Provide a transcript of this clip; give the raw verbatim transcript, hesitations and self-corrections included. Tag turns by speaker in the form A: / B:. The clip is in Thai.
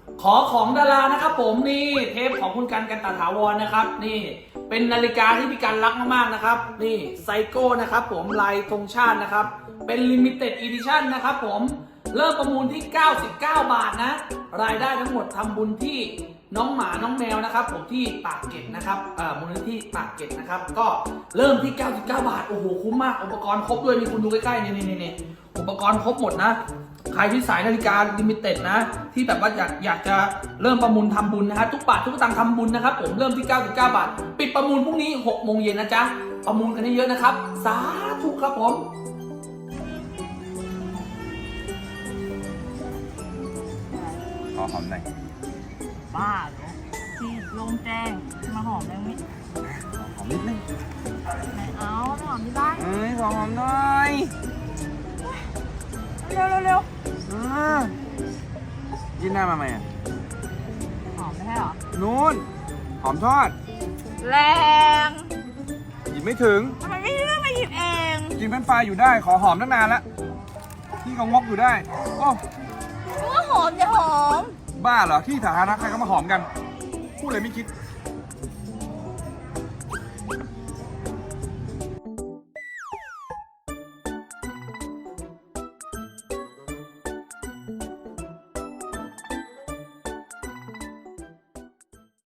A: ขอของดารานะครับผมนี่เทปของคุณกันกันตถาวรนะครับนี่เป็นนาฬิกาที่พี่กันรักมากๆนะครับนี่ไซโก้นะครับผมลายธงชาตินะครับเป็นลิมิเต็ดอีดิชั่นนะครับผมเริ่มประมูลที่เก้าสิบเก้าบาทนะรายได้ทั้งหมดทำบุญที่น้องหมาน้องแมวนะครับผมที่ปากเกร็ดนะครับเอ่อมูลนิธิปากเกร็ดนะครับก็เริ่มที่เก้าสิบเก้าบาทโอ้โหคุ้มมากอุปกรณ์ครบด้วยนี่คุณดูใกล้ๆนี่นี่นี่อุปกรณ์ครบหมดนะใครที่สายนาฬิกาลิมิเต็ดนะที่แบบว่าอยากอยากจะเริ่มประมูลทำบุญนะฮะทุกบาททุกสตางค์ทำบุญนะครับผมเริ่มที่เก้าสิบเก้าบาทปิดประมูลพรุ่งนี้หกโมงเย็นนะจ๊ะประมูลกันเยอะๆนะครับสาธุครับผม
B: ขอหอมหน่อย
C: บ้าเหรอที่โล่งแจ้งมาหอมได้ไหม
B: หอมนิดนึง
C: ไม่เอาหอมที่บ้าน
B: เอ้ยขอหอมหน่อย
C: เร็วเร็วเร็ว
B: อ่ายืนหน้ามาไหมอ่ะ
C: หอมไม่ใช่เหรอ
B: นู้นหอมทอด
C: แรง
B: หยิบไม่ถึง
C: ทำไมไม่เลือกมาหยิบเอง
B: กินเป็นไฟอยู่ได้ขอหอมตั้งนานแล้วที่เขางกอยู่ได้โอ้
C: ว่าหอมอย่าหอม
B: บ้าเหรอที่สาธารณะใครก็มาหอมกันพูดเลยไม่คิด